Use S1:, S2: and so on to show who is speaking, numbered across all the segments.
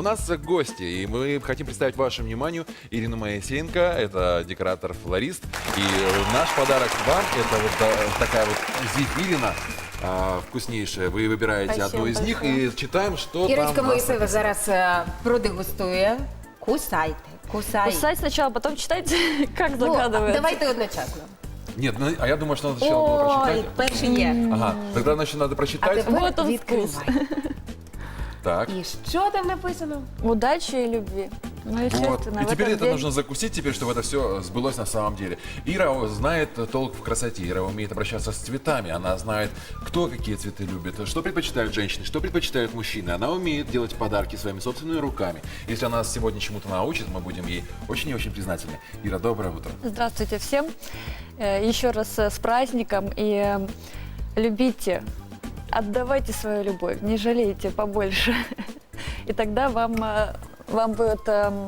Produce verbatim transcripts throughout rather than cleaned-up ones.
S1: нас гости, и мы хотим представить вашему вниманию Ирину Моисеенко, это декоратор-флорист. И наш подарок вам – это вот а, такая вот зефирина. А, вкуснейшая. Вы выбираете
S2: Спасибо
S1: одну из них
S2: большое.
S1: и читаем, что
S3: Ірочка
S1: там. у нас
S3: Моїсеєва
S1: написано.
S3: зараз е, продегустує. Кусайте, кусайте.
S2: Кусать сначала, потом читать, как
S3: Ну,
S2: догадывается.
S3: давайте одночасно.
S1: Нет, ну, а я думаю, что надо сначала было
S3: Ой,
S1: прочитать.
S3: перший є.
S1: Ага, тогда, значит, надо
S3: А
S1: прочитать.
S3: тепер
S2: Вот он
S3: відкривай.
S1: Так.
S3: І що там написано?
S2: Удачи и любви. Ну,
S1: Вот.
S2: естественно,
S1: И
S2: в
S1: теперь
S2: этот
S1: это
S2: день-
S1: нужно закусить, теперь, чтобы это все сбылось на самом деле. Ира знает толк в красоте, Ира умеет обращаться с цветами, она знает, кто какие цветы любит, что предпочитают женщины, что предпочитают мужчины. Она умеет делать подарки своими собственными руками. Если она нас сегодня чему-то научит, мы будем ей очень и очень признательны. Ира, доброе утро.
S2: Здравствуйте всем. Э, Еще раз э, с праздником. И э, любите, отдавайте свою любовь, не жалейте побольше. И тогда вам, э, вам будет, эм,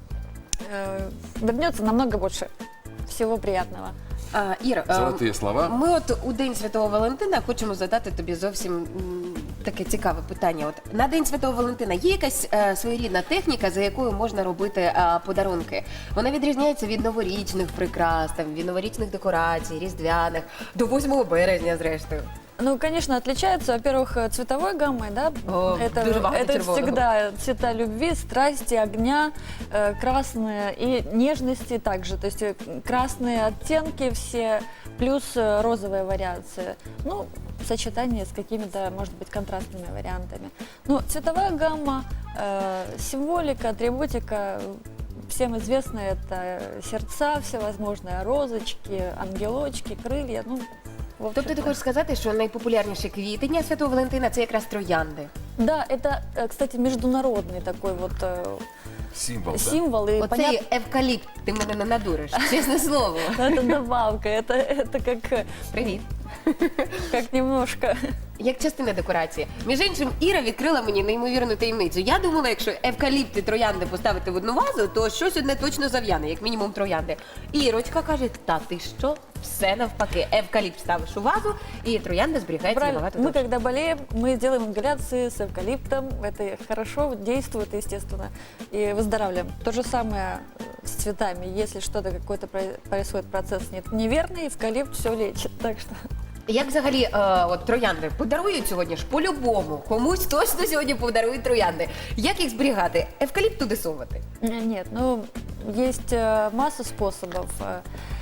S2: э, вернется намного больше всего приятного.
S3: А, Іра, е,
S1: Золотые слова.
S3: ми от у День Святого Валентина хочемо задати тобі зовсім м, таке цікаве питання. От на День Святого Валентина є якась е, своєрідна техніка, за якою можна робити е, подарунки? Вона відрізняється від новорічних прикрас, там, від новорічних декорацій, різдвяних, до восьмого березня, зрештою.
S2: Ну, конечно, отличается, во-первых, э, цветовой гаммой, да?
S3: О,
S2: это
S3: дуже багато
S2: это
S3: червоного.
S2: всегда цвета любви, страсти, огня, э, красные и нежности также. То есть э, красные оттенки все, плюс э, розовые вариации. Ну, в сочетании с какими-то, может быть, контрастными вариантами. Ну, цветовая гамма, э, символика, атрибутика, всем известно, это сердца всевозможные, розочки, ангелочки, крылья, ну, в
S3: Тобто ти
S2: общем-то.
S3: хочеш сказати, що найпопулярніші квіти Дня Святого Валентина – це якраз троянди?
S2: Да, это, э, кстати, международный такой вот э,
S1: Символ, да?
S2: символ. И
S3: Оцей
S2: понятно,
S3: евкаліпт, ти мене не надуриш, чесне слово.
S2: это добавка, это, это как, э,
S3: Привіт.
S2: как немножко.
S3: Як частина декорації. Між іншим, Іра відкрила мені неймовірну таємницю. Я думала, якщо евкаліпти троянди поставити в одну вазу, то щось одне точно зав'яне, як мінімум троянди. І Ірочка каже, та ти що? Все навпаки. Евкаліпт ставиш у вазу, і троянда зберігається
S2: Правильно.
S3: набагато
S2: Мы
S3: довше.
S2: когда болеем, мы делаем ингаляции с эвкалиптом. Это хорошо действует, естественно, и выздоравливаем. То же самое с цветами. Если что-то, какой-то про- происходит процесс не- неверный, эвкалипт все лечит. Так что
S3: Як взагалі е, от, троянди подарують сьогодні ж по-любому. Комусь точно сьогодні подарують троянди. Як їх зберігати? Евкаліпт туди совати?
S2: Н- нет, ну есть э, масса способов. э,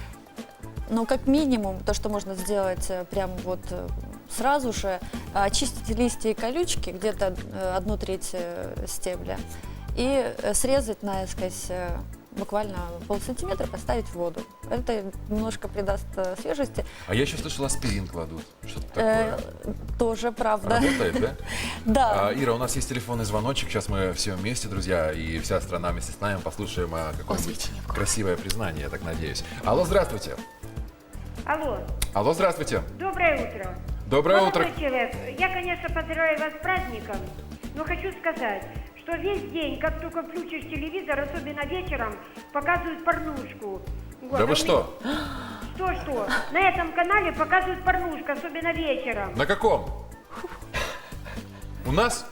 S2: Но как минимум то, что можно сделать э, прям вот э, сразу же, э, очистить листья и колючки, где-то э, одну треть э, стебля, и э, срезать наискось э, буквально полсантиметра, поставить в воду. Это немножко придаст э, свежести.
S1: А я еще слышал, аспирин кладут. Что-то
S2: Э,
S1: такое.
S2: Тоже правда.
S1: Работает, да?
S2: Да.
S1: А, Ира, у нас есть телефонный звоночек. Сейчас мы все вместе, друзья, и вся страна вместе с нами послушаем а, какое-нибудь
S3: Освещение в
S1: красивое признание, я так надеюсь. Алло, здравствуйте.
S4: Алло,
S1: Алло, здравствуйте.
S4: доброе утро.
S1: Доброе
S4: Молодой
S1: утро.
S4: человек, я, конечно, поздравляю вас с праздником, но хочу сказать, что весь день, как только включишь телевизор, особенно вечером, показывают порнушку. Вот,
S1: Да
S4: а
S1: вы
S4: у
S1: что?
S4: меня- Что-что? На этом канале показывают порнушку, особенно вечером.
S1: На каком? У нас?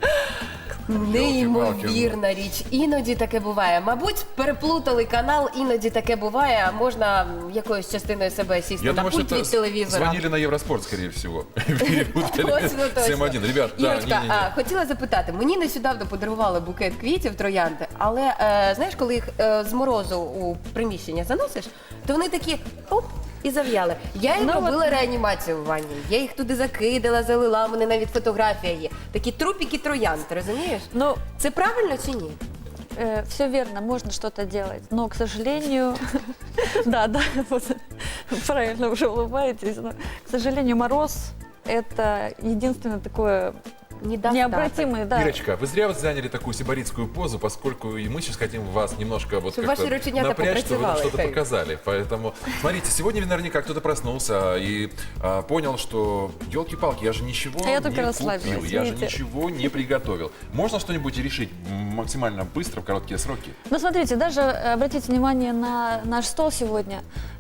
S3: Неймовірна річ. Іноді таке буває. Мабуть, переплутали канал, іноді таке буває. Можна м, якоюсь частиною себе сісти
S1: Я
S3: на
S1: думаю, что
S3: пульт від
S1: это
S3: телевізора.
S1: звонили на Евроспорт, скорее всего. Перепутали.
S3: Ось ви точно.
S1: семь один. Ребят, да,
S3: Ірочка,
S1: не-не-не.
S3: а, хотіла запитати, мені нещодавно подарували букет квітів троянди, але е, знаєш, коли їх е, з морозу у приміщення заносиш, то вони такі оп, і зав'яли. Я їм
S2: Ну,
S3: робила реанімацію в ванні. Я їх туди закидала, залила, у мене навіть фотографія є. Такі трупіки троянд, ти розумієш?
S2: Ну,
S3: Це правильно чи ні?
S2: все верно, можно что-то делать, но, к сожалению, да, да, вот, правильно уже улыбаетесь, но, к сожалению, мороз – это единственное такое
S3: Недостаток.
S2: необратимое, да.
S1: Ирочка, вы зря вот заняли такую сибаритскую позу, поскольку и мы сейчас хотим вас немножко вот
S3: Чтобы
S1: как-то
S3: ваши рученята
S1: напрячь, чтобы вы нам
S3: попрацевали,
S1: что-то
S3: так.
S1: показали. Поэтому, смотрите, сегодня наверняка кто-то проснулся и а, понял, что, елки-палки, я же ничего
S2: А я только
S1: не
S2: расслабилась,
S1: купил, я же
S2: видите.
S1: ничего не приготовил. Можно что-нибудь решить максимально быстро, в короткие сроки?
S2: Ну, смотрите, даже э, обратите внимание на наш стол сегодня.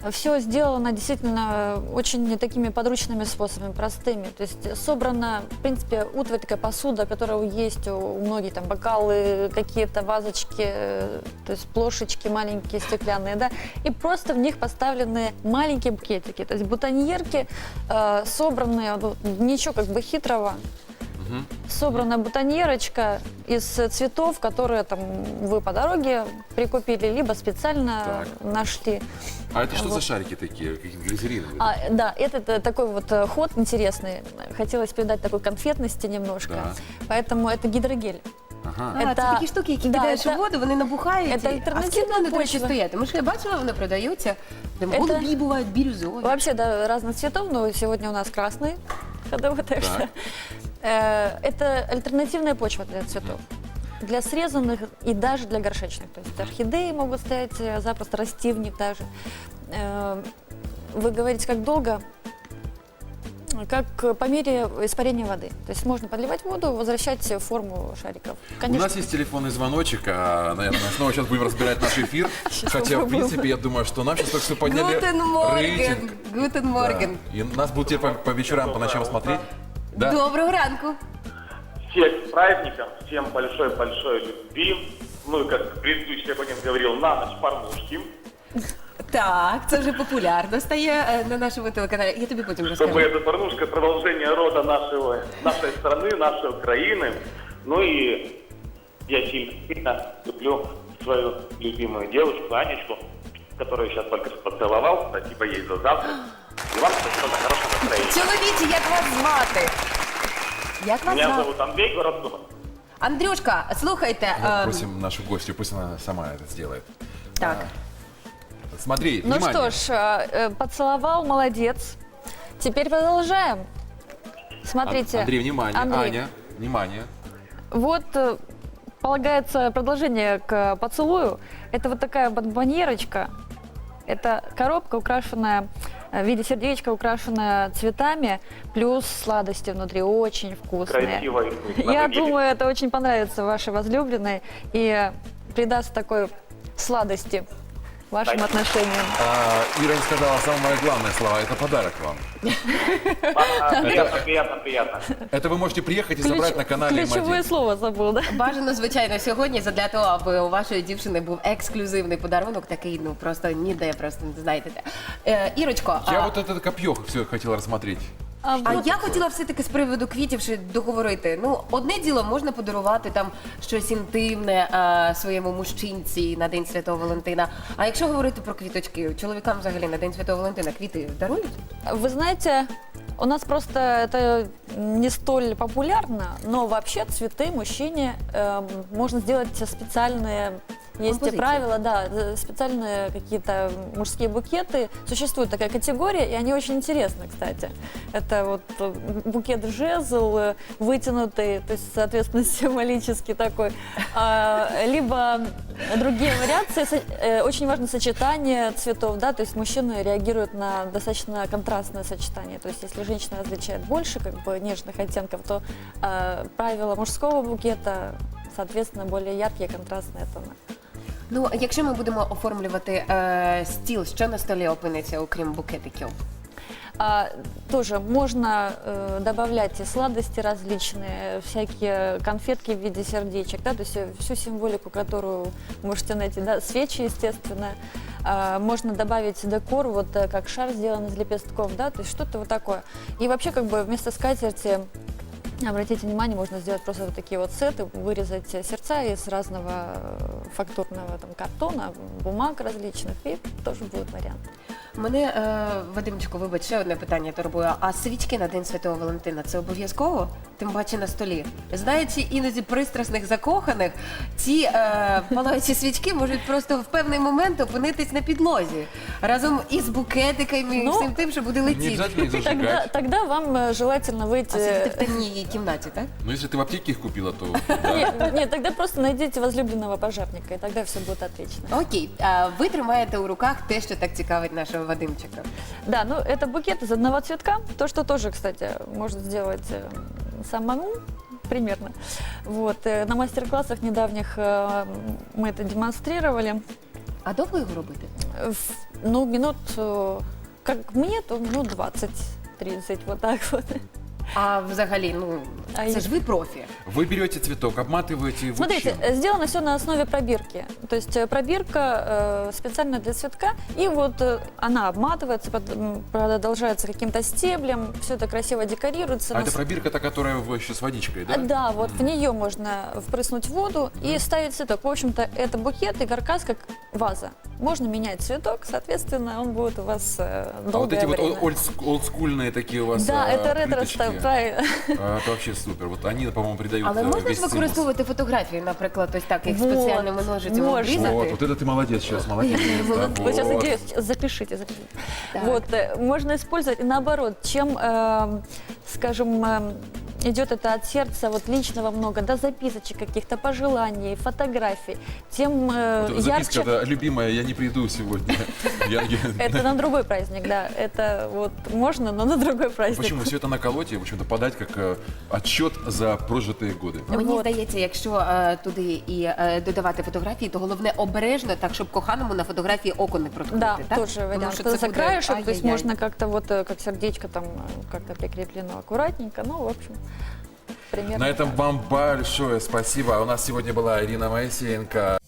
S2: Все сделано действительно очень такими подручными способами, простыми. То есть собрана, в принципе, утварь, такая посуда, которая есть у многих, там, бокалы, какие-то вазочки, э, то есть плошечки маленькие, стеклянные, да, и просто в них поставлены маленькие букетики, то есть бутоньерки, э, собранные, вот, ничего как бы хитрого. Собрана бутоньерочка из цветов, которые там вы по дороге прикупили, либо специально
S1: Так.
S2: нашли.
S1: А это что
S2: Вот.
S1: за шарики такие, какие-то глизериновые?
S2: А, да, это, т- такой вот э, ход интересный. Хотелось придать такой конфетности немножко.
S1: Да.
S2: Поэтому это гидрогель.
S1: Ага.
S3: А,
S2: Это-
S3: це такі штуки, які
S2: да,
S3: кидаєш
S2: це-
S3: у воду, вони набухають.
S2: це
S3: і-
S2: альтернативна
S3: а скільки вони, до речі,
S2: почва.
S3: стоять? Тому що я бачила, вони продаються. Там
S2: Це-
S3: голубі бувають, бірюзові.
S2: Вообще, да, разных цветов, но сегодня у нас красный ходовой, так что
S1: Так.
S2: э, это альтернативная почва для цветов. Для срезанных и даже для горшечных. То есть орхидеи могут стоять э, запросто, расти в них даже. Э, Вы говорите, как долго? Как э, по мере испарения воды. То есть можно подливать воду, возвращать форму шариков.
S1: У
S2: Конечно,
S1: нас есть телефонный звоночек, а, наверное, снова сейчас будем разбирать наш эфир. Хотя, в
S2: попробуем.
S1: принципе, я думаю, что нам сейчас только что подняли
S3: Гутен Морген,
S1: рейтинг.
S3: Гутен
S1: Да.
S3: Морген.
S1: И нас будут теперь по, по вечерам, по ночам смотреть. Да?
S3: Доброго ранку.
S5: Всех с праздником, всем большой-большой любви. Ну и как предыдущий абонент говорил, на ночь порнушки.
S3: Так, це вже популярно стає е, на нашому телеканалі. Я тобі потім
S5: Чтобы
S3: розкажу.
S5: эта порнушка продолжение рода нашего, нашей страны, нашей Украины. Ну и я сильно люблю свою любимую девушку Анечку, которую сейчас только что поцеловал. Спасибо ей за завтрак. И вам спасибо за хорошее настроение.
S3: Чоловічі, як вас звати? Як вас
S5: Меня
S3: звати?
S5: зовут Андрей, город Дума.
S3: Андрюшка, слухайте.
S1: Вот
S3: е,
S1: просим нашу гостью, пусть она сама это сделает.
S3: Так.
S1: Смотри,
S2: ну
S1: внимание.
S2: что ж, э, э, поцеловал, молодец. Теперь продолжаем. Смотрите.
S1: Ан- Андрей, внимание.
S2: Андрей,
S1: Аня, внимание.
S2: Вот э, полагается продолжение к поцелую. Это вот такая бонбоньерочка. Это коробка, украшенная э, в виде сердечка, украшенная цветами, плюс сладости внутри, очень вкусные.
S5: Красиво и вкусно
S2: Я
S5: выглядит.
S2: думаю, это очень понравится вашей возлюбленной и придаст такой сладости вашим
S5: Спасибо.
S2: отношениям.
S1: А, Ира не сказала самое главное слово. Это подарок вам.
S5: А, Приятно, приятно, приятно.
S1: Это вы можете приехать и забрать на канале М
S2: Ключевое
S1: один.
S2: слово забыл, да?
S3: Бажано, звичайно, сьогодні задля того, аби у вашої дівчини був ексклюзивний подарунок, такий, ну просто ніде, просто не знаєте де. Е, Ірочко,
S1: Я
S3: а,
S1: вот это копье все хотел рассмотреть.
S2: А
S3: а
S2: вот
S3: я хотіла все-таки з приводу квітів ще договорити. Ну, одне діло можна подарувати там щось інтимне а, своєму мужчинці на День Святого Валентина. А якщо говорити про квіточки, чоловікам взагалі на День Святого Валентина квіти дарують?
S2: Вы знаете, у нас просто это не столь популярно, но вообще цветы мужчине э, можно сделать специальные, есть
S3: Композиции.
S2: правила, да, э, специальные какие-то мужские букеты. Существует такая категория, и они очень интересны, кстати. Это вот э, букет жезл, э, вытянутый, то есть, соответственно, символический такой. А, либо другие вариации. Со- э, Очень важно сочетание цветов, да, то есть мужчины реагируют на достаточно контрастное сочетание. То есть если женщина различает больше как бы нежных оттенков, то э, правила мужского букета, соответственно, более яркие контрастные тона.
S3: Ну, а якщо ми будемо оформлювати е, стіл, що на столі опиниться, окрім букетиків?
S2: А, тоже можно э, добавлять и сладости различные, всякие конфетки в виде сердечек, да, то есть э, всю символику, которую можете найти, да, свечи, естественно. А, можно добавить декор, вот э, как шар сделан из лепестков, да, то есть что-то вот такое. И вообще как бы вместо скатерти, обратите внимание, можно сделать просто вот такие вот сеты, вырезать э, сердца из разного э, фактурного там, картона, бумаг различных, и тоже будет вариант.
S3: Мене, е, Вадимчику, вибач, ще одне питання турбує. А свічки на День Святого Валентина це обов'язково? Тим паче на столі. Знаючи іноді пристрасних закоханих, ці е, палаючі свічки можуть просто в певний момент опинитись на підлозі. Разом із букетиками і
S2: Ну,
S3: всім тим, що буде
S1: Не
S3: летіти.
S1: обязательно их
S2: Тогда,
S1: зажигать.
S2: тогда вам э, желательно выйти...
S3: А сидіти в темній кімнаті, так?
S1: Но если ты в аптеке их купила, то... да.
S2: Нет, нет, тогда просто найдите возлюбленного пожарника, и тогда все будет отлично.
S3: Окей, а ви тримаєте у руках те, що так цікавить нашого Вадимчика.
S2: Да, ну это букет из одного цветка, то, что тоже, кстати, можно сделать э, самому, примерно. Вот, э, на мастер-классах недавних э, мы это демонстрировали.
S3: А довго його робити?
S2: В- Ну, минут, э, как мне, то минут двадцать-тридцать, вот так вот.
S3: А взагалі, ну
S2: А
S3: це
S2: я-
S3: ж ви профі.
S1: Вы берете цветок, обматываете его
S2: Смотрите,
S1: чем?
S2: э, сделано все на основе пробирки. То есть э, пробирка э, специально для цветка, и вот э, она обматывается, под- м, продолжается каким-то стеблем, все это красиво декорируется.
S1: А
S2: На
S1: это
S2: с-
S1: пробирка, та, которая в- еще с водичкой,
S2: А,
S1: да?
S2: Да, вот в нее можно впрыснуть воду и ставить цветок. В общем-то, это букет и каркас как ваза. Можно менять цветок, соответственно, он будет у вас э,
S1: А
S2: долгое
S1: вот эти вот
S2: время.
S1: ол- олдск- олдскульные такие у вас
S2: Да,
S1: а,
S2: это ретро
S1: плиточки,
S2: правильно.
S1: а, это вообще супер. Вот они, по-моему, придают
S3: Але
S1: э,
S3: можна
S1: весь
S3: ж
S1: цимус.
S3: використовувати фотографії, наприклад, ось так, як
S2: Вот,
S3: спеціальними ножицями
S2: можна.
S3: обрізати?
S1: Вот, вот это ты молодец сейчас, молодец. Да,
S2: Вот сейчас
S1: вот.
S2: идея, запишите, запишите.
S3: Так.
S2: Вот, э, можно использовать и наоборот, чем, э, скажем, э, идет это от сердца, вот личного много, да, записочек каких-то, пожеланий, фотографий, тем э,
S1: Вот записка,
S2: ярче.
S1: да, любимая, я не приду сегодня. Я- я-
S2: Это на другой праздник, да, это вот можно, но на другой праздник.
S1: Почему все это наколоть и, в общем-то, подать как э, отчет за прожитые годы?
S3: Мені
S2: Вот.
S3: здається, якщо е, туди і е, додавати фотографії, то головне обережно, так щоб коханому на фотографії око не проткнути.
S2: Да,
S3: так?
S2: тоже
S3: Тому
S2: вариант.
S3: що
S2: Это
S3: це
S2: за
S3: буде
S2: краешек, то есть
S3: ай-яй-яй.
S2: можно как-то вот, э, как сердечко там э, как-то прикреплено аккуратненько, ну, в общем, примерно
S1: На этом
S2: так.
S1: вам большое спасибо. У нас сегодня была Ирина Моисеенко.